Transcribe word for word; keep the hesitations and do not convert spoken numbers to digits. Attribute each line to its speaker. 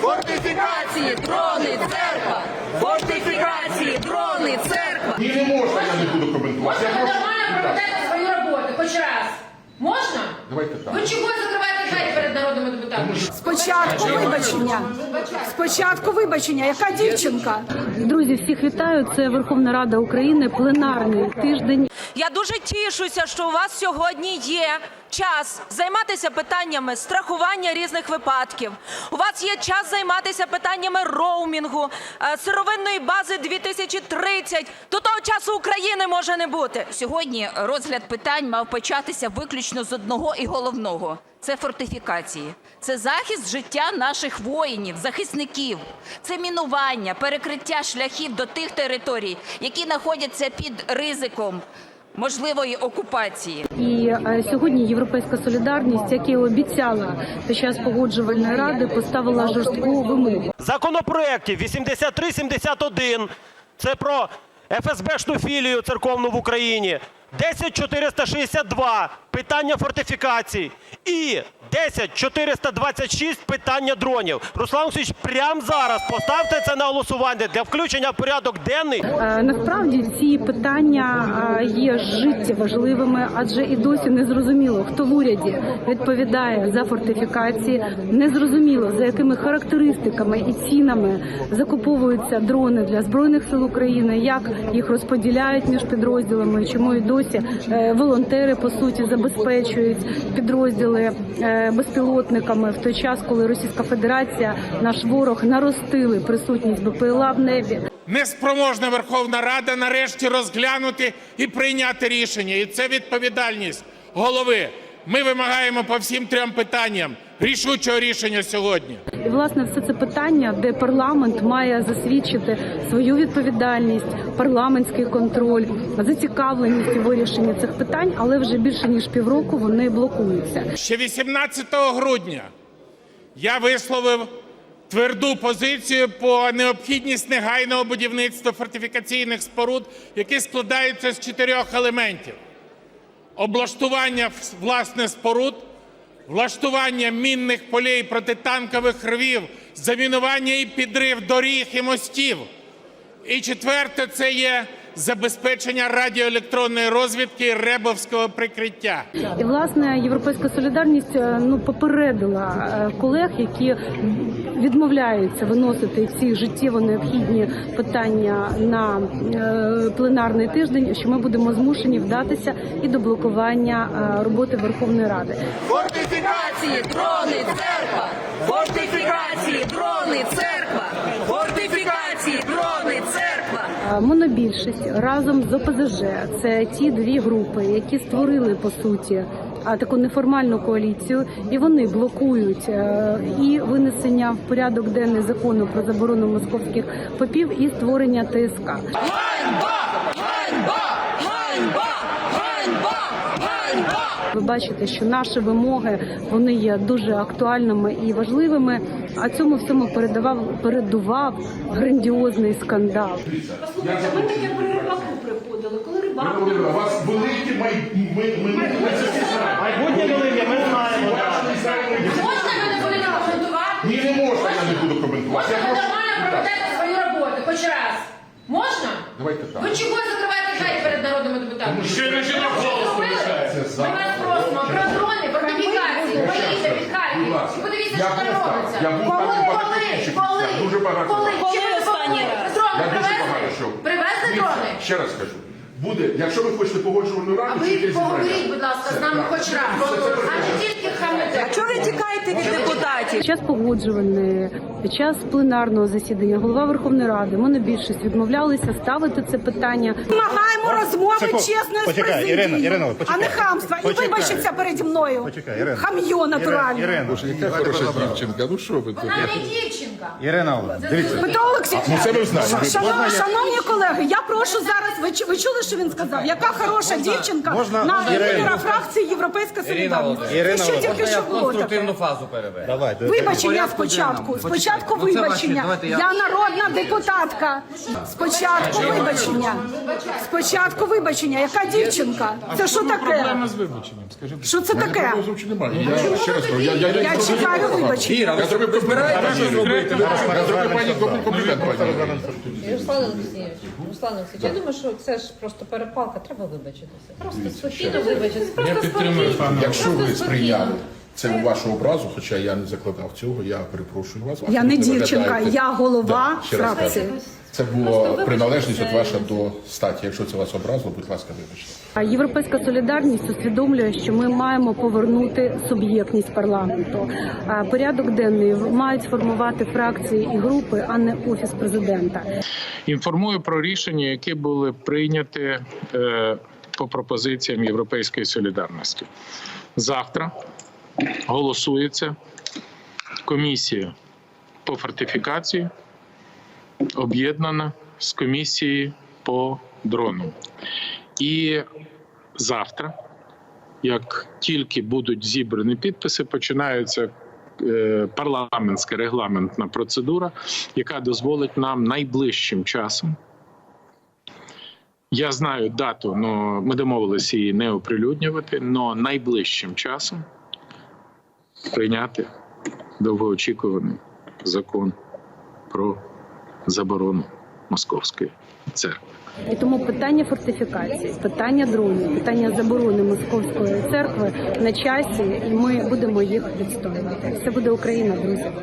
Speaker 1: Фортифікації, дрони, церква! Фортифікації, дрони, церква!
Speaker 2: Ні, не можна, я не буду коментувати.
Speaker 3: Можна ви нормально проведете свою роботу, хоч раз? Можна?
Speaker 2: Давайте так.
Speaker 3: Ви чого закриваєте двері перед народними депутатами?
Speaker 4: Спочатку вибачення. Спочатку вибачення. Яка дівчинка?
Speaker 5: Друзі, всіх вітаю. Це Верховна Рада України, пленарний тиждень.
Speaker 1: Я дуже тішуся, що у вас сьогодні є час займатися питаннями страхування різних випадків. У вас є час займатися питаннями роумінгу, сировинної бази дві тисячі тридцять. До того часу України може не бути.
Speaker 6: Сьогодні розгляд питань мав початися виключно з одного і головного – це фортифікації. Це захист життя наших воїнів, захисників. Це мінування, перекриття шляхів до тих територій, які знаходяться під ризиком можливої окупації.
Speaker 5: І е, сьогодні Європейська солідарність, як і обіцяла під час погоджувальної ради, поставила жорстку вимогу.
Speaker 7: Законопроєктів вісімдесят три сімдесят один – це про еф ес бешну філію церковну в Україні, десять чотириста шістдесят два – питання фортифікацій і десять чотириста двадцять шість – питання дронів. Руслан Олексійович, прямо зараз поставте це на голосування для включення в порядок денний.
Speaker 5: Е, насправді ці питання е, є життєважливими, адже і досі не зрозуміло, хто в уряді відповідає за фортифікації, не зрозуміло, за якими характеристиками і цінами закуповуються дрони для Збройних сил України, як їх розподіляють між підрозділами, чому і досі е, волонтери, по суті, забезпечують підрозділи е, безпілотниками в той час, коли Російська Федерація, наш ворог, наростили присутність бе пе ел а в небі.
Speaker 8: Неспроможна Верховна Рада нарешті розглянути і прийняти рішення. І це відповідальність голови. Ми вимагаємо по всім трьом питанням рішучого рішення сьогодні.
Speaker 5: І, власне, все це питання, де парламент має засвідчити свою відповідальність, парламентський контроль, зацікавленість у вирішенні цих питань, але вже більше ніж півроку вони блокуються.
Speaker 8: Ще вісімнадцятого грудня я висловив тверду позицію по необхідність негайного будівництва фортифікаційних споруд, які складаються з чотирьох елементів. Облаштування, власне, споруд, влаштування мінних полей, протитанкових рвів, замінування і підрив доріг і мостів. І четверте – це є забезпечення радіоелектронної розвідки і ребовського прикриття.
Speaker 5: І, власне, Європейська солідарність ну, попередила колег, які відмовляються виносити ці життєво необхідні питання на е, пленарний тиждень, що ми будемо змушені вдатися і до блокування е, роботи Верховної Ради.
Speaker 1: Фортифікації, дрони, церква! Фортифікації, дрони, церква! Фортифікації, дрони, церква!
Speaker 5: Монобільшість разом з о пе зе же – це ті дві групи, які створили, по суті, таку неформальну коаліцію, і вони блокують і винесення в порядок денний закону про заборону московських попів, і створення те ес ка.
Speaker 1: Ганьба! Ганьба! Ганьба! Ганьба! Ганьба!
Speaker 5: Ви бачите, що наші вимоги, вони є дуже актуальними і важливими, а цьому всьому передавав, передував грандіозний скандал.
Speaker 4: Послухайте, ми таке при рибаку приходили, коли рибак...
Speaker 2: У вас великі майбутнє.
Speaker 7: Майбутнє велике, ми знаємо.
Speaker 3: Можна ви не будете коментувати?
Speaker 2: Ні, не можна, я не буду коментувати.
Speaker 3: Можна ви нормально проведете свою роботу, хоч раз? Можна?
Speaker 2: Давайте так.
Speaker 3: Ви чого закриваєте двері перед народними депутатами?
Speaker 2: Ще не жінок голос залишається.
Speaker 3: Ми вас просимо про дрони, фортифікації, поїдьте від Харків. І подивіться, що там робиться.
Speaker 2: Я був
Speaker 3: Коли,
Speaker 2: там багато
Speaker 3: коли,
Speaker 2: інших
Speaker 3: коли,
Speaker 2: місцях, дуже багато.
Speaker 3: коли,
Speaker 1: Коли
Speaker 3: Чи ви
Speaker 1: останній
Speaker 3: допомогли?
Speaker 1: раз?
Speaker 3: Дрони
Speaker 2: Я дуже багато
Speaker 3: привезли?
Speaker 2: що.
Speaker 3: Привезли дрони?
Speaker 2: Ще раз кажу. Буде, якщо ви хочете погоджувальну раду,
Speaker 3: А ви
Speaker 2: чи якесь
Speaker 3: поговоріть,
Speaker 2: зібрання.
Speaker 3: будь ласка, з нами хоч раз. А не тільки хамите.
Speaker 1: Чого ви тікаєте від депутатів?
Speaker 5: Під час погоджувальної, під час пленарного засідання голова Верховної Ради, монобільшість відмовлялися ставити це питання.
Speaker 4: Вимагаємо розмови
Speaker 9: Секунду.
Speaker 4: чесної з
Speaker 9: Почекай,
Speaker 4: президією,
Speaker 9: Ірина, Ірина,
Speaker 4: а
Speaker 9: почекай.
Speaker 4: не хамства. І
Speaker 9: Почекай.
Speaker 4: вибачиться переді мною.
Speaker 9: Почекай, Ірина.
Speaker 4: Хам'йо натуральне.
Speaker 9: Ірина,
Speaker 2: Яка хороша дівчинка, ну що ви тут?
Speaker 3: Вона не дівчинка.
Speaker 9: Ірина, дивіться.
Speaker 4: Петро Олексійович,
Speaker 2: Ну це ми знаємо.
Speaker 4: шановні, шановні колеги, я прошу зараз, ви, чу- ви чули, що він сказав? Яка хороша дівчинка
Speaker 9: можна,
Speaker 4: на
Speaker 9: Ірина?
Speaker 4: лідера фракції Європейська солідарність.
Speaker 9: Ірина
Speaker 4: Це що тільки
Speaker 9: Володимирівна,
Speaker 4: що було
Speaker 10: конструктивну
Speaker 4: таке?
Speaker 10: фазу переведе.
Speaker 9: Давай,
Speaker 4: Вибачення спочатку. Спочатку вибачення. Я народна депутатка. Спочатку вибачення. Спочатку вибачення. Яка дівчинка? Це що таке?
Speaker 2: з вибаченням, скажіть.
Speaker 4: Що це таке?
Speaker 2: Зовсім немає. Я ще раз кажу, я, я, я,
Speaker 4: Я чекаю вибачення.
Speaker 10: Іра, ви
Speaker 2: Я зробив
Speaker 10: збираєте щось робити?
Speaker 2: Я зроблю пані комплімент, пані.
Speaker 9: Руслан Олексійович, Руслан Олексійович, я думаю, що це ж просто перепалка, треба вибачитися. Просто спокійно вибачитися. Просто спокійно.
Speaker 2: Якщо ви сприйняли це у вашу образу, хоча я не закладав цього, я перепрошую вас.
Speaker 4: Я
Speaker 2: Ви
Speaker 4: не дівчинка,
Speaker 2: виглядаєте-
Speaker 4: я голова
Speaker 2: Да, ще раз
Speaker 4: фракції.
Speaker 2: кажу. Це була приналежність от ваша до статі. Якщо це вас образило, будь ласка, вибачте.
Speaker 5: А Європейська солідарність усвідомлює, що ми маємо повернути суб'єктність парламенту. А порядок денний мають формувати фракції і групи, а не офіс президента.
Speaker 10: Інформую про рішення, які були прийняті е, по пропозиціям Європейської солідарності. Завтра голосується комісія по фортифікації, об'єднана з комісією по дронам. І завтра, як тільки будуть зібрані підписи, починається е, парламентська регламентна процедура, яка дозволить нам найближчим часом. Я знаю дату, але ми домовилися її не оприлюднювати, але найближчим часом прийняти довгоочікуваний закон про заборону Московської церкви.
Speaker 5: І тому питання фортифікації, питання дронів, питання заборони Московської церкви на часі, і ми будемо їх відстоювати. Це буде Україна, друзі.